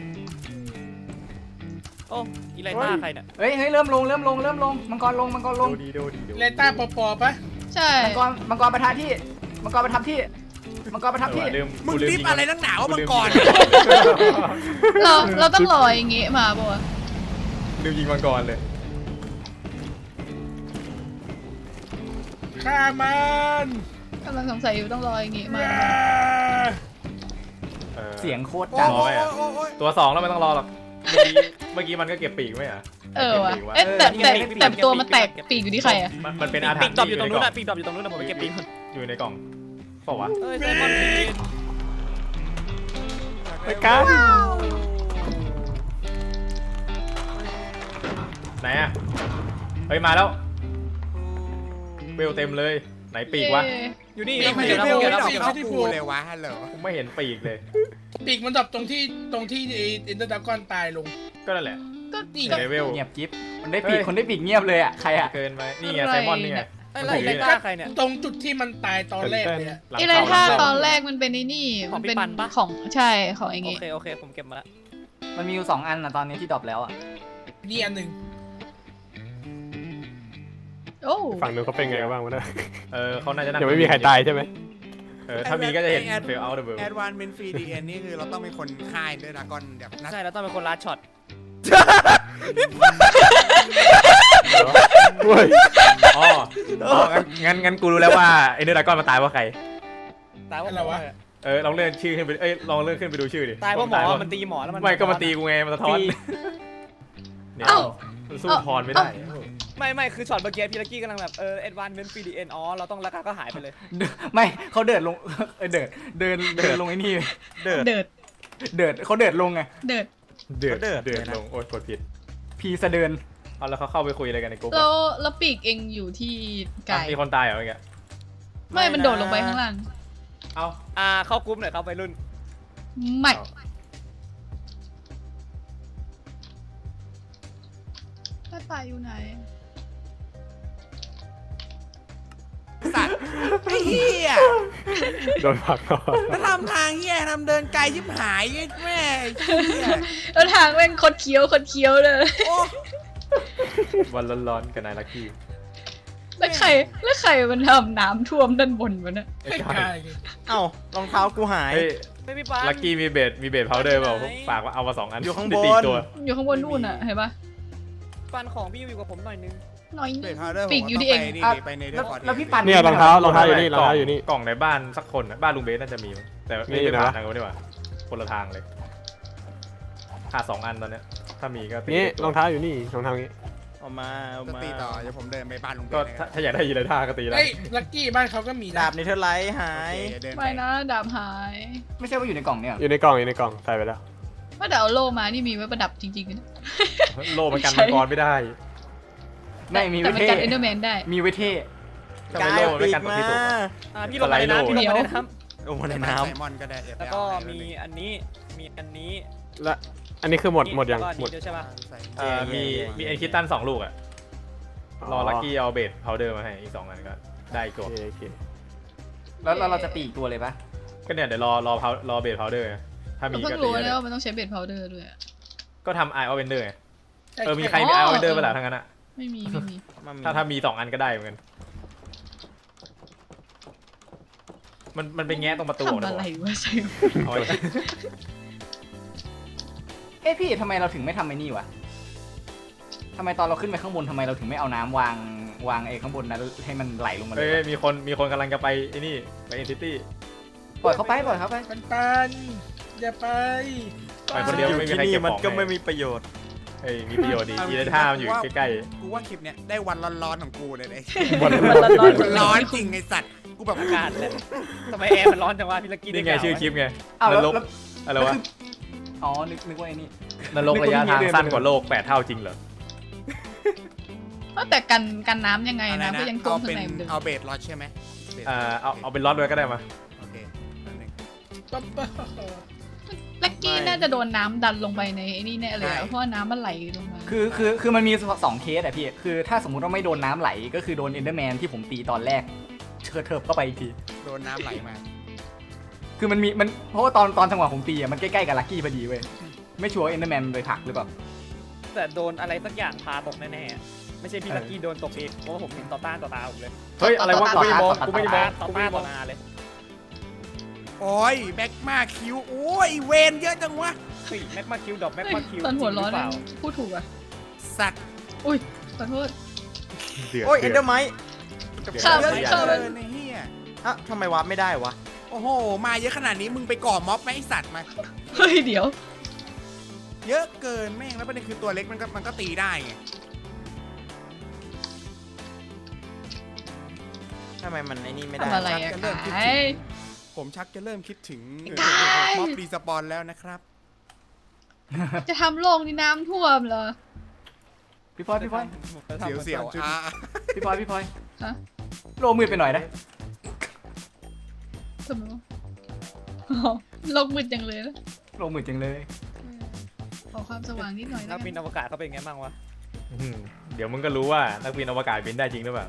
Speaker 8: โอ้อีไลต้าใครเนี่ย
Speaker 6: เฮ้ยเฮ้ยเริ่มลงเริ่มลงเริ่มลงมังกรลงมังกรลง
Speaker 5: ดูดีดูดีดู
Speaker 7: เลต้าปอปอปะ
Speaker 2: ใช่
Speaker 6: มังกรมังกรประทับที่มังกรประทับที่มังกรประทับที่
Speaker 5: ลืม
Speaker 4: มึง
Speaker 5: กูลืม
Speaker 4: รีบ
Speaker 5: ยิง
Speaker 4: อะไรนักหนาวะมังกร
Speaker 2: เราเราต้องรออย่างงี้มาป่ะ
Speaker 5: ลืมยิงมังกรเลย
Speaker 7: ฆ่ามัน
Speaker 2: กำลังสงสัยอยู่ต้องรออย่างงี้มา
Speaker 5: ออ
Speaker 6: เสียงโคตร
Speaker 4: โอ้
Speaker 6: ดัง
Speaker 4: โหโอ้โห
Speaker 5: ตัวสองแล้วไม่ต้องรอหรอกเมื่อกี้เมื่อกี้มันก็เก็บปีกไม่เหรอ
Speaker 2: เออวะ
Speaker 5: ก็บปีกไ
Speaker 2: เอ๊ะแต่แต่แต่ตัวมันแตกปีกอยู่ที่ใครอะ
Speaker 5: มันมันเป็นอาถร
Speaker 8: ปี
Speaker 5: ร
Speaker 8: ก
Speaker 5: พ์
Speaker 8: ดรอปอยู่ตรงนู้น
Speaker 5: ในกล่
Speaker 8: อะปีกดรอปอยู่ตรงนู้นนะผมไปเก็บปีกก่อน
Speaker 5: อยู่ในกล่องเปล่าวะ
Speaker 8: เอ้ยไซมอนปีก
Speaker 9: ไปกัน
Speaker 5: ไหนอะเฮ้ยมาแล้วเบลเต็มเลยไหนปีกวะ
Speaker 2: เย้
Speaker 8: อยู่นี่
Speaker 4: ปีก
Speaker 8: ไม่
Speaker 4: ไม่
Speaker 8: เห็น
Speaker 4: ได้
Speaker 8: แล้ว
Speaker 4: เว
Speaker 8: ไม่
Speaker 4: ล
Speaker 8: เห็นแล้ว
Speaker 4: ไม่เข้ากูเลยวะฮัลโหล
Speaker 5: กูไม่เห็นปีกเลย
Speaker 7: ปีกมันดรอปตรงที่ตรงที่ไอ้อินเตอร์ดากอนตายลง
Speaker 5: ก็นั่นแหละ
Speaker 2: ก็
Speaker 7: นี่
Speaker 5: เลเวล
Speaker 6: เงียบจิ๊บคนได้ปีกคนได้ปีกเงียบเลยอ่ะใครอ่ะ
Speaker 5: เกินไปนี่ไงไซมอนนี่ไง
Speaker 8: ไอ้ไรไลต้าใครเนี่ย
Speaker 7: ตรงจุดที่มันตายตอนแรกเลยอะ
Speaker 5: หลัง
Speaker 2: ไอไร
Speaker 5: เข้า
Speaker 2: ท่า
Speaker 5: หลัง
Speaker 2: ต
Speaker 5: เข้า
Speaker 2: อนแรกมันเป็นไอ้นี่
Speaker 8: ของ
Speaker 2: มัเป็น
Speaker 8: พี่ปันปะ
Speaker 2: ของใช่ของไอ้
Speaker 8: โอ
Speaker 2: งี้
Speaker 8: เคโอเคผมเก็บมาแล้ว
Speaker 6: มันมีอยู่สองอันอ่ะตอนนี้ที่ดรอปแล้วอ่ะ
Speaker 7: นี่อันหนึ่ง
Speaker 2: โอ้
Speaker 9: ฝั่งนู้นเขาเป็นไงกันบ้างวะเนี่ย
Speaker 5: เออเขาน่าจะนั่ง
Speaker 9: ยังไม่มีใครตายใช่ไหม
Speaker 5: เออถ้ามีก็จะเห็นเฟลเอาเดอะเบิร์
Speaker 4: แอดวานเมนฟรีดีเอ็นนี่คือเราต้องเป็นคนค่ายด้วยดากอนแบบนัด
Speaker 8: ใช่แล้วต้องเป็นคนลัดช็อต
Speaker 9: เว้ย
Speaker 5: อ๋ออ๋องั้นงั้นกูรู้แล้วว่าไอ้เนื้อดากอนมาตายเพราะใคร
Speaker 8: ตายว่า
Speaker 7: อะไรวะ
Speaker 5: เออลองเลื่อนชื่อขึ้นไปเอ้ยลองเลื่อนขึ้นไปดูชื่อดิ
Speaker 8: ตายเพราะหมอมันตีหมอแล้วมัน
Speaker 5: ไม่ก็มาตีกูไงมันสะท้อนเนี่ย
Speaker 2: เอ้า
Speaker 5: มันสู้พรไม่ได้
Speaker 8: ไม่ไม่คือช็อตเมื่อกี้พี่ลักกี้กำลังแบบเออเอ็ดวานเมนฟีดีเอ็นอ๋อเราต้องราคาก็หายไปเลย
Speaker 6: ไม่เขาเดินลงเออเดินเดินเดินลงไอ้นี่
Speaker 5: เดือด
Speaker 2: เดิด
Speaker 6: เดินเขาเดินลงไง
Speaker 2: เดิด
Speaker 5: เดือด
Speaker 1: เดือด
Speaker 5: เดือด
Speaker 1: เลยนะ
Speaker 5: ลงโอ๊ยกดผิด
Speaker 6: พีสะเดิน
Speaker 5: เอาแล้วเขาเข้าไปคุยอะไรกันในกลุ่ม
Speaker 2: แล้วแล้วปีกเองอยู่ที่ไก่
Speaker 5: มีคนตายเหรอเมื่อกี้
Speaker 2: ไม่มันโดดลงไปข้างล่าง
Speaker 5: เอ้า
Speaker 8: อ่าเข้ากรุ๊ปหน่อยครับไปรุ่น
Speaker 2: ไม่ถ้าตายอยู่ไหน
Speaker 4: สัตว์ไอ้เหี้ย
Speaker 9: โดนผลักเข้า
Speaker 4: แล้วทำทางเหี้ยทำเดินไกลชิบหายแม่ไอ้เหี้ย
Speaker 2: แล้วทางแม่งคดเคี้ยวคดเคี้ยวเลย
Speaker 4: โอ้
Speaker 5: วันร้อนๆกับนายลักกี้
Speaker 2: แล้วใครแล้วใครมันทำน้ำท่วมด้านบนวะเนี่ย
Speaker 7: ไม่กล้าเลย
Speaker 1: เอ้ารองเท้ากูหาย
Speaker 5: เฮ้ย
Speaker 8: ไม่พี่ปัน
Speaker 5: ลักกี้มีเบดมีเบดพาวเดอร์เปล่า
Speaker 8: ไปไหน
Speaker 5: ฝากว่าเอามาสองอัน
Speaker 1: อยู่ข้างบน
Speaker 5: ได้ตีตัว
Speaker 2: อยู่ข้างบนนู่นอ่ะเห็นปะ
Speaker 8: ปันของพี่อยู่กับผมหน่อยนึง
Speaker 2: น้อย
Speaker 4: เบ
Speaker 2: นิ
Speaker 4: ร
Speaker 2: ด
Speaker 4: พาวเดอร์
Speaker 2: ปีกอยู่ที่เอง
Speaker 4: นี่
Speaker 6: อ่ะ
Speaker 4: ไปในเรื่
Speaker 6: แล้
Speaker 4: อ
Speaker 6: ว
Speaker 4: งก่อน
Speaker 6: แล้วพี่ปัน
Speaker 9: เนี่ยรองเท้ารองเท้าอยู่นี่รองเท้าอยู่นี่
Speaker 5: กล่องในบ้านสักคนน่ะบ้านลุงเบสน่าจะมีมั้งแต่ไม่
Speaker 9: นี่
Speaker 5: ได้
Speaker 9: นะ
Speaker 5: ผ่านทางกันดีกว่าคนละทางเลยขาดสองอันตอนเนี้ยถ้ามีก็ตี
Speaker 9: นี่
Speaker 5: ตัว
Speaker 9: รองเท้าอยู่นี่รองเท้านี้
Speaker 1: เอามาเอา
Speaker 4: จะ
Speaker 1: มา
Speaker 4: ตีต่อเดี๋ยวผมเดินไปบ้านลุงเบ
Speaker 5: ก็
Speaker 4: น
Speaker 5: ถ้าถ้าอยากได้ยีไรท่าก็ตีได้
Speaker 7: เฮ้ยลักกี้บ้านเขาก็มีนะ
Speaker 1: ดาบเนเธอร์ไลท์หา
Speaker 4: โอย เคเดี๋ยวเดินไป
Speaker 2: ไม่นะดาบหาย
Speaker 6: ไม่ใช่ว่าอยู่ในกล่องเนี่ยเหรอ
Speaker 9: อยู่ในกล่องอยู่ในกล่องใส่ไปแล้ว
Speaker 2: ว่าแต่เอาโล่มานี่มีไว้ประดับจริงๆนะ
Speaker 5: โลมันกันมังกรไม่ได้
Speaker 6: ไม่มี
Speaker 2: แต่
Speaker 6: ไว้
Speaker 2: มัน
Speaker 6: เท่
Speaker 2: กันเอนเดอร์แมนได้
Speaker 6: มีไว้เท่
Speaker 5: ทำ
Speaker 1: กา
Speaker 5: ไม
Speaker 1: ย
Speaker 5: โล
Speaker 1: เอา
Speaker 5: ไม่
Speaker 1: ปีก
Speaker 5: กันตรง
Speaker 1: มา
Speaker 5: ที่สูงอะ
Speaker 8: อ่าพี่ลงมาในน้ำพี่ลงมาในน้
Speaker 1: ลงมาใน
Speaker 4: ไซ
Speaker 1: น้
Speaker 4: มอนก็ได้เดี๋ยว
Speaker 8: ำ
Speaker 4: ไป
Speaker 8: แล้ว
Speaker 4: เอา
Speaker 8: ก็
Speaker 4: ให้
Speaker 8: มีอันนี้มีอันนี้
Speaker 9: และอันนี้คือหมดหมดยัง
Speaker 8: แล้วก็อัน
Speaker 9: หมด
Speaker 8: นี้ด้วยใช่ป่ะ
Speaker 4: ใส่
Speaker 5: เอ่อมีมีเอ็นคิตันสองลูกอะรอลักกี้เอาเบดพาวเดอร์มาให้อีกสองอันก็ได้อีก
Speaker 9: โอ
Speaker 5: ตัว
Speaker 9: เคโอเค
Speaker 6: แล้วแล้วเราจะตีอีกตัวเลยปะ
Speaker 5: ก็เนี่ยเดี๋ยวรอรอพาวรอเบดพาวเดอร์ถ้ามี
Speaker 2: เราเพิ่
Speaker 5: ก็
Speaker 2: ง
Speaker 5: ตี
Speaker 2: รู้
Speaker 5: ได้
Speaker 2: นะว่ามันต้องใช้เบดพาวเดอร์ด้วยอะ
Speaker 5: ก็ทำไอออเวนเดอร์ไง
Speaker 7: ใช่
Speaker 5: เออมีใครมีไอออเวนเดอร์เปล่าทั้งนั้นอะ
Speaker 2: ไม่มีไม่มี
Speaker 1: ำมามี
Speaker 5: ถ้าถ้ามีสองอันก็ได้เหมือนกันมันมันไปแง้ตรงประตู
Speaker 2: ทำ
Speaker 5: นะ
Speaker 2: อะไรวะใช่
Speaker 5: เอาไว้
Speaker 6: เอ้พี่ทำไมเราถึงไม่ทำไอ้นี่วะทำไมตอนเราขึ้นไปข้างบนทำไมเราถึงไม่เอาน้ำวางวางไอ้ข้างบนนั้นให้มันไหลลงมาเล
Speaker 5: เอ้
Speaker 6: ย
Speaker 5: ยว
Speaker 6: ะ
Speaker 5: มีคนมีคนกำลังจะไปไอ้นี่ไปเอ็นซิตี้
Speaker 6: ปล่อยเขาไปปล่อยเขาไป
Speaker 7: ปันปันอย่าไป
Speaker 5: ไปคนเดียว
Speaker 1: อยู่
Speaker 5: ไม่มี
Speaker 1: ที่
Speaker 5: ใคร
Speaker 1: นี่
Speaker 5: เก็บ
Speaker 1: มัน
Speaker 5: ของ
Speaker 1: ก็ไม่
Speaker 5: ให้
Speaker 1: มีประโยชน์
Speaker 5: เอ้ยมีประโยชน์ดีอีเลท่ามันอยู่ใกล้
Speaker 4: กูว่าคลิปเนี้ยได้วันร้อนๆของกูเลยไอ้
Speaker 5: ๆวัน
Speaker 2: มันร้อน
Speaker 4: วันร้อนจริงไอ้สัตว์กูแบบ
Speaker 8: อากาศเลยทำไมแอร์มันร้อนจังวะพี่ลักกี้
Speaker 5: นี่ไงชื่อคลิปไง
Speaker 6: อ้าวน แล้ว
Speaker 5: รก
Speaker 6: แล้ว
Speaker 5: อะไรวะ
Speaker 6: อ๋อนึกนึกว่าไอ้นี่
Speaker 5: นรกระยะทางสั้นกว่าโลกแปดเท่าจริงเหรอ
Speaker 2: แต่กันกันน้ำยังไง
Speaker 4: อะไร
Speaker 2: นะ
Speaker 4: นะ
Speaker 2: ก็ยังท่ว
Speaker 4: เอา
Speaker 2: มข้า
Speaker 4: เป็
Speaker 2: ง
Speaker 4: น
Speaker 2: ในเหมือนเดิม
Speaker 4: เอาเบสล็อตใช่ไหมบส
Speaker 5: อ่าเอาเอาเป็นล็อตเลยก็ได้มา
Speaker 4: โอเคนั่นเอง
Speaker 7: ปั๊บปั๊บ
Speaker 2: ลักกี้น่าจะโดนน้ำดันลงไปในไอ้นี่แน่เลยอะเพราะว่าน้ำมันไหลลงมา
Speaker 6: คือคือคือมันมีสองเคสอะพี่คือถ้าสมมุติว่าไม่โดนน้ำไหลก็คือโดนเอนเดอร์แมนที่ผมตีตอนแรกเชิดเทิบเข้าไปอีกที
Speaker 4: โดนน้ำไหลมา
Speaker 6: คือมันมีมันเพราะว่าตอนตอนจังหวะผมตีอะมันใกล้ๆกับลักกี้พอดีเว้ยไม่ชัวร์เอนเดอร์แมนไปผลักหรือเปล่า
Speaker 8: แต่โดนอะไรสักอย่างพาตกแน่ๆอะไม่ใช่พี่ลักกี้โดนตกเองเพราะว่าผมเห็นต่อต้านต่อตาผมเลย
Speaker 5: เฮ้ยอะไรวะกูไม่ได้มองกูไม่ได้ม
Speaker 8: ต่
Speaker 5: อ
Speaker 8: อง ต่อ
Speaker 5: กูไม่
Speaker 8: ต้าน
Speaker 5: ได้ม
Speaker 8: ต่
Speaker 5: อ
Speaker 8: อง หน้าเลย
Speaker 4: โอ้ยแบ็กมาคิวโอ้ยเวนเยอะจังวะ
Speaker 8: เฮ้ยแม็กมาคิวดอกแม็ก
Speaker 2: เฮ้ย
Speaker 8: มาคิว
Speaker 2: ตอนหัวร้อน
Speaker 8: จงหเป
Speaker 2: นะ
Speaker 8: ล่า
Speaker 2: พูดถูกอ่ะ
Speaker 4: สัตว์
Speaker 2: อุ้ยขอโทษ
Speaker 5: เดือด
Speaker 1: โอ้ยเอ็นเด
Speaker 5: เดื
Speaker 1: อ
Speaker 5: อด
Speaker 1: ร์ไมท์
Speaker 2: ข้าม
Speaker 4: เยอะ
Speaker 2: ไป
Speaker 4: เกิ
Speaker 2: ข้ามไป
Speaker 4: นไอ้เหี้ย
Speaker 1: อ่ะทำไมวาร์ปไม่ได้วะ
Speaker 4: โอ้โหมาเยอะขนาดนี้มึงไปก่อม็อบไหมไอ้สัตว์มา
Speaker 2: เฮ้ยเดี๋ยว
Speaker 4: เยอะเกินแม่งแล้วประเด็นคือตัวเล็กมันก็มันก็ตีได้ไง
Speaker 1: ทำไมมันไอ้นี่ไม่ได้
Speaker 2: ทำอะไรอะกาย
Speaker 4: ผมชักจะเริ่มคิดถึง
Speaker 2: ได้
Speaker 4: ม็อบรีสปอนแล้วนะครับ
Speaker 2: จะทำโลกนี่น้ำท่วมเหรอ
Speaker 6: พี่พลอยพี่พลอย
Speaker 4: เสียวเสียวๆอ่ะ
Speaker 6: พี่พลอยพี่พลอย
Speaker 2: ฮะ
Speaker 6: โลมืดไปหน่อยนะ
Speaker 2: ทำไมวะอ๋อโลกมืดจังเลยนะ
Speaker 6: โลมืดจังเลย
Speaker 2: ขอความสว่างนิดหน่อย
Speaker 8: นั
Speaker 2: นะ
Speaker 8: กบินอวกาศเขาเป็นไงบ้างวะ
Speaker 5: อืมเดี๋ยวมึงก็รู้ว่านักบินอวกาศบินได้จริงหรือเปล่า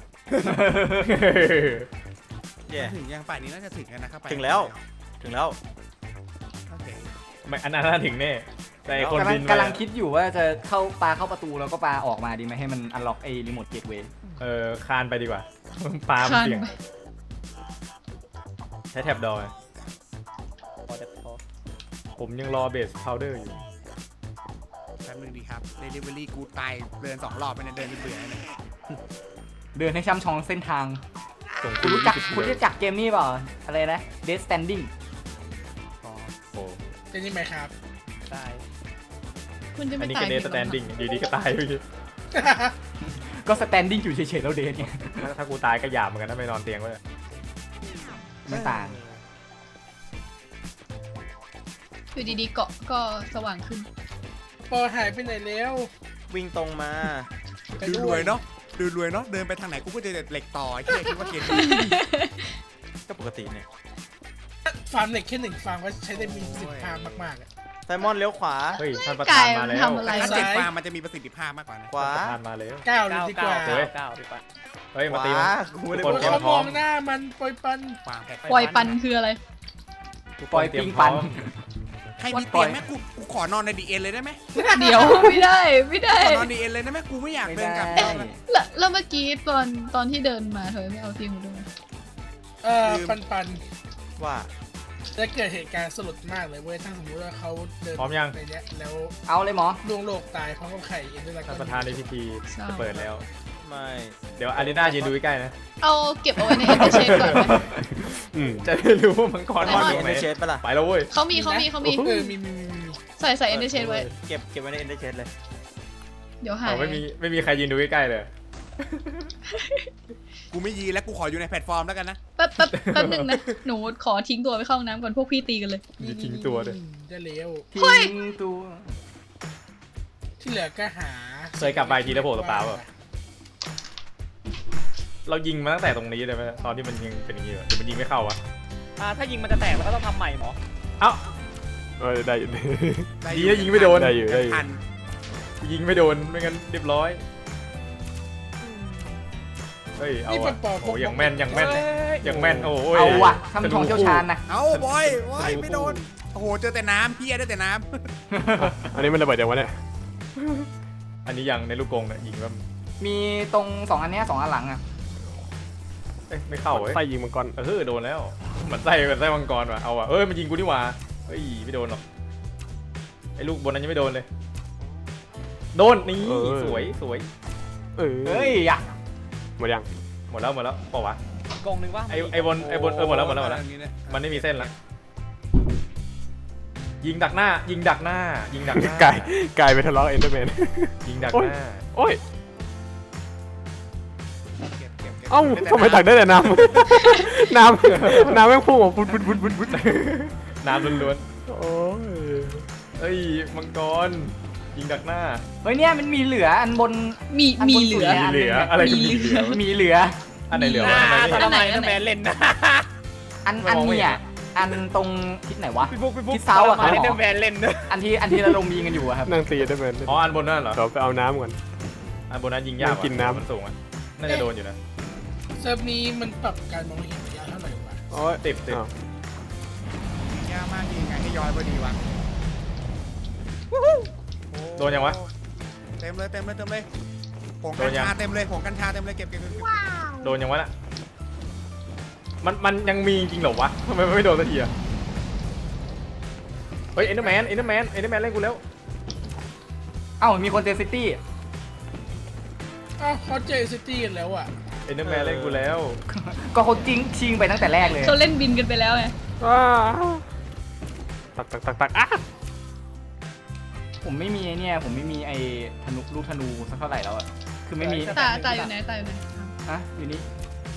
Speaker 1: แย่
Speaker 4: ถึงยังป่านนี้น่าจะถึงกันนะครับไป
Speaker 1: ถึงแล้ว ถึงแล้ว
Speaker 4: โอเค
Speaker 5: ไม่อันนั้นน่าถึงแน่แต่ไอ้คน
Speaker 6: กำลั
Speaker 5: บิ
Speaker 6: ง
Speaker 5: น
Speaker 6: กำลังคิดอยู่ว่าจะเข้าปลาเข้าประตูแล้วก็ปลาออกมาดีไหมให้มันอันล็อกไอ้รีโมทเกตเวย์
Speaker 5: เออคานไปดีกว่าปาล์ม
Speaker 2: คาน
Speaker 5: เสี่ยง
Speaker 2: ไป
Speaker 5: ใช้แท็บดอย
Speaker 8: พอจะพอ
Speaker 5: ผมยังรอเบสพาวเดอร์อยู่
Speaker 4: แป๊บนึงดีครับเดลิเวอรี่กูตายเดินสองรอบไปเนี่ยเดินจนเบื่อเนี่ย
Speaker 6: เดินให้ช่ำชองเส้นทาง
Speaker 5: ส่ง
Speaker 6: คุณรู้จักคุณรู้จักเกมนี้เปล่าอะไรนะ Death Standing
Speaker 4: อ๋อ
Speaker 5: โอ้
Speaker 7: จะนี่ไหมครับ
Speaker 8: ได้
Speaker 2: คุณจะ
Speaker 5: อั
Speaker 2: ไม่
Speaker 5: นนี้
Speaker 2: ตาย
Speaker 5: ก็เดส
Speaker 2: หรอ
Speaker 5: สแตนดิ้งอยู่ดีก็ตายไปที
Speaker 6: ก็ standing อยู่เฉยๆแล้วเดทไง
Speaker 5: ถ้าถ้ากูตายก็หยาบเหมือนกันถ้าไม่นอนเตียงไว้เลย
Speaker 6: ไม่ต่าง
Speaker 2: อยู่ดีๆเกาะก็สว่างขึ้น
Speaker 7: ปอหายไปไหนแล้ว
Speaker 1: วิ่งตรงมา
Speaker 4: ดูรวยเนาะดูรวยเนาะเดินไปทางไหนกูก็จะเหล็กต่อไอ้เหี้ยคิดว่าเกมนี้
Speaker 1: ก็ปกติเนี่ย
Speaker 7: ฟาร์มเหล็กแค่หนึ่งฟาร์มก็ใช้ได้มีประสิทธิภาพมากๆอะ
Speaker 1: ไซมอนเลี้ยวขวา
Speaker 5: เฮ้ยท่านประธานมาแล้ว
Speaker 2: ทำอะไร
Speaker 4: ถ้าเจ็ดฟาร์มมันจะมีประสิทธิภาพมากกว่านะ
Speaker 1: ขวา
Speaker 5: ประธานมาแล้ว
Speaker 7: เก้าเลยดีกว่า
Speaker 8: เก้าเก้าพี่ปัน
Speaker 5: เฮ้ย
Speaker 1: ข
Speaker 5: มาตี
Speaker 1: วา
Speaker 5: มัน
Speaker 1: กูไม่ได้
Speaker 5: ทุก
Speaker 1: บ
Speaker 5: ค
Speaker 1: อน ก
Speaker 5: เตรีย
Speaker 7: เขา
Speaker 5: มพร้
Speaker 7: ม
Speaker 5: อ
Speaker 7: อ
Speaker 5: ม
Speaker 7: งหน้ามันปล่อยปัน
Speaker 4: ฟาร์มแพ็ค
Speaker 2: ปล่อยปันคืออะไร
Speaker 5: ทุกค
Speaker 6: ปล่อย
Speaker 5: เตรีย
Speaker 6: ปิ
Speaker 5: ม
Speaker 6: ง
Speaker 5: พร้
Speaker 6: ปั
Speaker 5: อน ม
Speaker 4: ใครรมีเตียงไหมกูกูขอนอนในดีเอ็นเลยได้ไหม
Speaker 2: เดี๋ยวไม่ได้ไม่ได้
Speaker 4: ขอนอนดีเอ็นเลยได้ไหมกูไม่อยาก
Speaker 6: ไม่
Speaker 4: เดิน
Speaker 6: ได้
Speaker 4: กลับบ้าน
Speaker 2: แล้วแล้วเมื่อกี้ตอนตอนที่เดินมาเธอไม่เอาเตียงมาด้วย
Speaker 7: เออปันปัน
Speaker 1: ว่า
Speaker 7: จะเกิดเหตุการณ์สลดมากเลยเว้ยถ้าสมมติว่าเขาเดิน
Speaker 5: พร้อมยัง
Speaker 7: ในเนี้ยแล้ว
Speaker 6: เอาเลยหมอ
Speaker 7: ดวงโลกตายเพราะเขาไข่เอ็นด้วย
Speaker 5: ท่านประธานในพิธีจะเปิดแล้ว
Speaker 1: ไม่
Speaker 5: เดี๋ยวอารีนายืนดูใกล้ๆนะ
Speaker 2: เอาเก็บเอาไว้ในเอ็นเตอร์เชนก่อนไหม
Speaker 9: อืม
Speaker 5: จะได้รู้ว่ามังกร
Speaker 1: ไม่
Speaker 5: มันอ
Speaker 1: มี
Speaker 5: ยู่
Speaker 1: เอ็น
Speaker 5: ไหน
Speaker 1: เดอร์เชดปะล่ะ
Speaker 5: ไปแล้วเว้ย
Speaker 2: เขามีเขามีเขามี
Speaker 7: เออมีมีมีมี
Speaker 2: ใส่ใส่เอ็นเตอร์เชนไว้
Speaker 1: เก็บเก็บไว้ในเอ็นเดอร์เชดเลย
Speaker 2: เดี๋ยวหาย
Speaker 5: เอาไม่มีไม่มีใครยืนดูใกล้ๆเลย
Speaker 4: กูไม่ยีแล้วกูขออยู่ในแพลตฟอร์มแล้วกันนะ
Speaker 2: แป๊บแป๊บแป๊บหนึ่งนะหนูขอทิ้งตัวไปเข้าห้องน้ำก่อนพวกพี่ตีกันเลย
Speaker 5: มีทิ้งตัวด้วย
Speaker 7: ได้เร็ว
Speaker 6: ทิ้งตัว
Speaker 7: ที่เหลือก็หา
Speaker 5: เคยกลับไปทีแล้วโผล่ตัวเปล่าเปล่า เรายิงมาตั้งแต่ตรงนี้เลยไหมตอนที่มันยิงเป็นอย่างนี้เหรอหรือมันยิงไม่เข้าวะ
Speaker 8: อ่าถ้ายิงมันจะแตกแล้วก็ต้องทำใหม่หมอ
Speaker 5: เอ้า
Speaker 9: เออได้อยู่
Speaker 5: ดีนะยิงไม่โดน
Speaker 9: ได้อยู่ได้อยู่
Speaker 4: ทัน
Speaker 5: ยิงไม่โดนไม่งั้นเรียบร้อยเฮ้ยเอา
Speaker 7: นี่ปั
Speaker 5: อะ
Speaker 7: นปอ
Speaker 5: โอ้ยังแม่นยังแม่นยังแม่นโอ้ย
Speaker 6: เอาว่ะทำทองเชี่ยวชาญนะ
Speaker 4: เอาบอยบอยไม่โดนโอ้โหเจอแต่น้ำพี่ได้แต่น้
Speaker 9: อันนี้มันระเบิดยังวะเนี่ย
Speaker 5: อันนี้ยังในลูกกรงเนี่ยยิงแบบ
Speaker 6: มีตรงสองอันเนี้ยสองอันหลังอ่ะ
Speaker 5: เอ้ยไม่เข้าเว้ย
Speaker 9: ไส้ยิงมังกร
Speaker 5: เออโดนแล้วเหมือนไส้เหมือนไส้มังกรว่ะเอาว่ะเอ้ยมันยิงกูนี่หว่าเฮ้ยไม่โดนหรอกไอ้ลูกบนนั้นยังไม่โดนเลยโดนนี่สวยสวย
Speaker 9: เออ
Speaker 6: เฮ้ยอ่ะ
Speaker 9: หมดยัง
Speaker 5: หมดแล้วหมดแล้วเปล่าวะ
Speaker 8: กองหนึ่งว่า
Speaker 5: ไอ้ไอ้บน
Speaker 4: ำ
Speaker 5: ไอ้บนเออหมดแล้วหมดแล้วหมดแล้ว
Speaker 4: ย่างนี้เนี่ย
Speaker 5: มันไม่มีเส้นละยิงดักหน้า ยิงดักหน้า ยิงดักหน้า
Speaker 9: ไก่ไก่ไปทะเลาะเอ็นเตอร์แมน
Speaker 5: ยิงดัก
Speaker 9: โอ้ย
Speaker 5: หน้า
Speaker 9: โอ้ย
Speaker 4: เก็บเก็บเก็บ
Speaker 9: เอ้าทำไมตักได้แต่น้ำ น้ำน้ำแม่งพุ่งออกบุดบุดบุดบุดบุด
Speaker 5: น้ำล้วน
Speaker 9: โอ้ย
Speaker 5: ๆเอ้ยมังกรยิงดักหน้า
Speaker 6: เฮ้ยเนี่ยมันมีเหลืออันบน
Speaker 2: มี
Speaker 6: อันบน
Speaker 2: มีเหลือ
Speaker 6: สุด
Speaker 5: มีเหลืออะไรคือมีเหลือ
Speaker 6: มีเหลือ
Speaker 5: อันไหนเหลือ
Speaker 8: อ่าว
Speaker 5: ะทำไมไม่
Speaker 8: ทำ
Speaker 5: เห็น
Speaker 8: ไมทำไมแมนเล่นนะ
Speaker 6: อันอันเนี่ยอันตรงทิศไหนวะ
Speaker 8: พี่บุ๊กพี่บุ๊ก
Speaker 6: ทิศเซาท์อะ
Speaker 8: ทำไม
Speaker 6: ครับหมอ
Speaker 8: เล่นแมนเล่นนะ
Speaker 6: อันที่อันที่เราลงมีกันอยู่อะครับ
Speaker 9: นั่งตีเอ็นเตอร์แมน
Speaker 5: อ๋ออันบนนั่นเหรอ
Speaker 9: เดี๋ยวไปเอาน้ำก่อน
Speaker 5: อันบนนั้นยิงยาก
Speaker 9: นั่งกินน้ำ
Speaker 5: มันสูงอ่ะน่าจะโดนอยู่นะ
Speaker 7: เซิร์ฟนี้มันปรับการมองเห็นระยะเท่าไหร่วะ
Speaker 9: โอ้ย
Speaker 5: ติดติด
Speaker 9: อ้าวย
Speaker 4: ากมากยิงไงให้ย้อยพอดีวะ
Speaker 5: โดนยังวะ
Speaker 4: เต็มเลยเต็มเลยเต็มเลยผง
Speaker 5: โด
Speaker 4: กัน
Speaker 5: นยัง
Speaker 4: ชาเต็มเลยผงกัญชาเต็มเลยเก็บเก็บเก็บเก็บ
Speaker 5: โดนยังวะน่ะมันมันยังมีจริงเหรอวะทำไมมันไม่โดนสักทีอะเฮ้ยเอ็นเดอร์แมนเอ็นเดอร์แมนเอ็นเดอร์แมนเล่นกูแล้ว
Speaker 6: เอ้ามีคนเจอซิตี้
Speaker 7: อ้าวเขาเจอซิตี้กันแล้วอ่ะ
Speaker 5: เอ็นเดอร์แมนเล่นกูแล้ว
Speaker 6: ก็เขาจริงชิงไปตั้งแต่แรกเลย
Speaker 2: เขาเล่นบินกันไปแล้วไง
Speaker 9: อ้าตักตักตักตักอ่ะ
Speaker 6: ผมไม่มีไอ้เนี่ยผมไม่มีไอ้ธนูลูกธนูสักเท่าไหร่แล้วอะคือไม่มี
Speaker 2: ตาตาอยู่ไหนตาอยู่ไหน
Speaker 6: ฮะอยู่นี่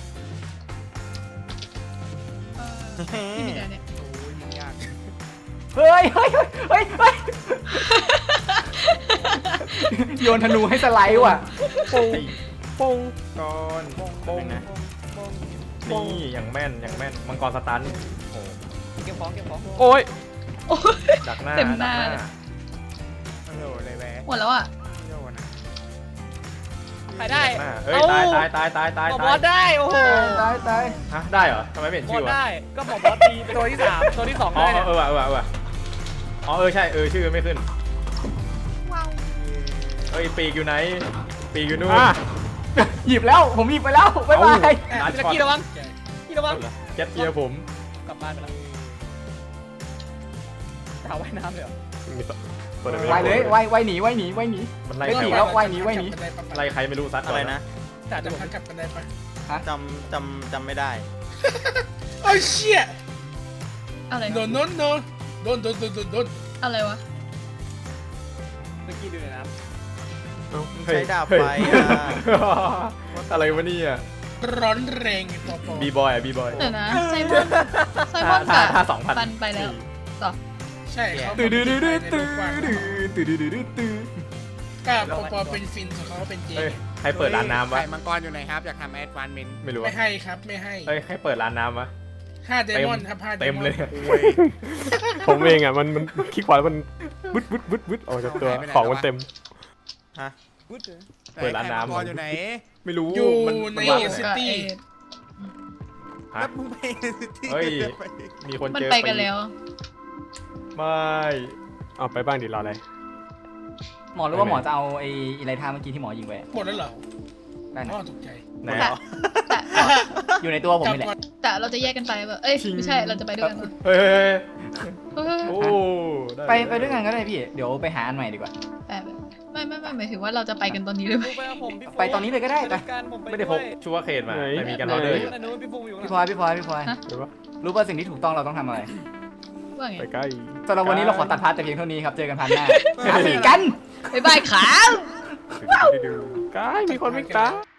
Speaker 2: เออพี่มีแต่เนี่ย
Speaker 4: โอ้ยยิงยาก
Speaker 6: เฮ้ยเฮ้ยเฮ้ยเฮ้ยโยนธนูให้สไลด์ว่ะ
Speaker 5: ไอ้
Speaker 9: ปง
Speaker 5: ก้อนโป้งนะนี่อย่างแม่นอย่างแม่นมังกรสตันโอ้
Speaker 8: เก็บของเก็บของ
Speaker 9: โอ้ย
Speaker 2: โอ้ย
Speaker 5: ดักหน้า
Speaker 2: เต็มหน้า
Speaker 5: ดัก
Speaker 2: เลย
Speaker 4: โอ้โหเลยแหวะ
Speaker 2: หมดแล้วอ่ะ
Speaker 4: โยนนะ
Speaker 8: ใครได้
Speaker 5: ดักหน้าเอ้ยตายตายตายตายตาย
Speaker 8: หมอบ
Speaker 5: ตา
Speaker 8: อย สได้โอ้โห
Speaker 6: ตายตาย
Speaker 5: ฮะได้เหรอทำไมไม่เห็น
Speaker 8: บอ
Speaker 5: ชื่
Speaker 8: ส
Speaker 5: อวะ
Speaker 8: ได้ก็หมอบอสตีเป็นตัวที่สามตัวที่สอง
Speaker 5: อ๋อ
Speaker 8: ได้เนี่ย
Speaker 5: เออว่ะเออว่ะเออว่ะอ๋อเออใช่เออชื่อไม่ขึ้นเอ้ยปีกอยู่ไหนปีกอยู่นู่น
Speaker 9: อ่ะ
Speaker 6: หยิบแล้วผมหยิบไปแล้วบ๊ายบาย
Speaker 5: ร้าน
Speaker 8: พี่
Speaker 5: ช็อต
Speaker 8: กี้ระวังพี่ระวัง
Speaker 5: เจ็ดเกียร์ผม
Speaker 8: กลับบ้านไปแล้วจะหาว่ายน้ำเลยเหรอ
Speaker 9: มีตัวตัวไหนไม่
Speaker 6: ว่าย
Speaker 9: ได้
Speaker 6: เลยว่ายว่ายหนีว่ายหนีว่ายหนี
Speaker 5: มันไล่
Speaker 6: ไม่
Speaker 5: ใคร
Speaker 6: หนี
Speaker 5: วะ
Speaker 6: แล้วว่ายหนีว่ายหนี
Speaker 5: ไล่ใครไม่รู้ซัดก่
Speaker 1: อะไร
Speaker 5: น
Speaker 1: นะ
Speaker 8: แต่จะ
Speaker 7: จำ
Speaker 8: ผม
Speaker 7: ทางกลับกันได้ปะ
Speaker 1: จำจำจำไม่ได้
Speaker 7: โอ้ยเชี่ย
Speaker 2: อะไร
Speaker 7: โดนโดนโดนโดนโดนโดนโดนโดน
Speaker 2: อะไรวะ
Speaker 8: เมื่อกี้ดูเลยนะ
Speaker 9: เอ้า
Speaker 1: ใช้ดาบไฟอ่ะ
Speaker 5: อะไรวะเนี่ย
Speaker 7: ร้อนแรงไอ้ปอปอ
Speaker 5: บีบอยอ่ะบีบอย
Speaker 2: เดี๋ยวนะไซมอนไซมอน
Speaker 5: ถ้า
Speaker 2: กับ
Speaker 5: ถ้าสองพัน
Speaker 2: ปันไปแล้วต่อ
Speaker 7: ใช่เขา
Speaker 6: ตื้อดื้อดื้อดื้อ
Speaker 7: ตื้
Speaker 6: ตื้อดื้อดื้อดื้อตื้อ
Speaker 7: กับปอปอเป็นฟินส่วนเขาเป็นเจ
Speaker 5: เฮ้ยใครเปิดร้านน้ำวะ
Speaker 4: ไข่มังกรอยู่ไหนครับอยากทำแอดวานเมน
Speaker 5: ไม่รู้
Speaker 7: ไม่
Speaker 5: วะ
Speaker 7: ให้ครับไม่ให้
Speaker 5: เฮ้ยใครเปิดร้านน้ำวะ
Speaker 7: ห้าเดมอนครับห้าเด
Speaker 5: เต็ม
Speaker 7: มอน
Speaker 5: เลย
Speaker 9: ผมเองอ่ะมันมันคลิกขวาแล้วมันบึ๊ดบึ๊ดบึ๊ดบึ๊ดออกจากตัวของมันเต็ม
Speaker 1: ฮะ
Speaker 5: เปิดร้านน้ำ
Speaker 4: ไข่มังกรอยู่ไหน
Speaker 5: ไม่รู้
Speaker 7: อยู่
Speaker 5: มัน
Speaker 7: ใน
Speaker 5: มันวาด
Speaker 7: ซิ
Speaker 5: ไง
Speaker 7: ตี้
Speaker 5: ฮะ
Speaker 4: แล้วมึงไปที่
Speaker 5: เฮ้ย มีคน
Speaker 2: มัน
Speaker 5: เจอ
Speaker 2: ไปกันแล้ว
Speaker 5: ปไม่
Speaker 9: เอาไปบ้างดิรออะไร
Speaker 6: หมอรู้ว่าหมอจะเอาไอ้อีไรท่าเมื่อกี้ที่หมอยิงไป
Speaker 7: หมดแล้วเหรอ
Speaker 6: ได้นะ
Speaker 7: อ๋อตกใจ
Speaker 5: ไหนอ่ะ
Speaker 6: อยู่ในตัวผม
Speaker 7: จับ
Speaker 6: นี่แหละ
Speaker 7: ก่อน
Speaker 2: แต่เราจะแยกกันไปป่ะเอ้ยไม่ใช่เราจะไปด้วยกันปะ
Speaker 5: เฮ้ยเฮ้ยเฮ้ย
Speaker 2: เฮ้ย
Speaker 5: โอ้ด้
Speaker 6: ไปไปด้วยกันก็ได้พี่เดี๋ยวไปหาอันใหม่ดีกว่า
Speaker 2: แต่ไม่ไม่ไม่หมายถึงว่าเราจะไปกันตอนนี้เลยไหม
Speaker 8: ไปกับผมพี่โฟ
Speaker 6: ไปตอนนี้เลยก็ได้ไป
Speaker 8: กันผม
Speaker 5: ไม่ได้พกชัวร์เคนมาแต่มีกันออเดอร์อยู่
Speaker 8: อันนู้นพี่โฟอยู่
Speaker 6: พี่พลอยพี่พลอยพี่พลอย
Speaker 9: หรือว่า
Speaker 6: รู้ป่ะสิ่งที่ถูกต้องเราต้องทำอะไร
Speaker 2: ว่าไง
Speaker 9: ไปใกล้
Speaker 6: สำหรับวันนี้เราขอตัดพาร์ทแต่เพียงเท่านี้ครับเจอกันพันหน้าหาสีกัน
Speaker 2: บ๊ายบายครับ
Speaker 9: ใกล้มีคนไม่กล้า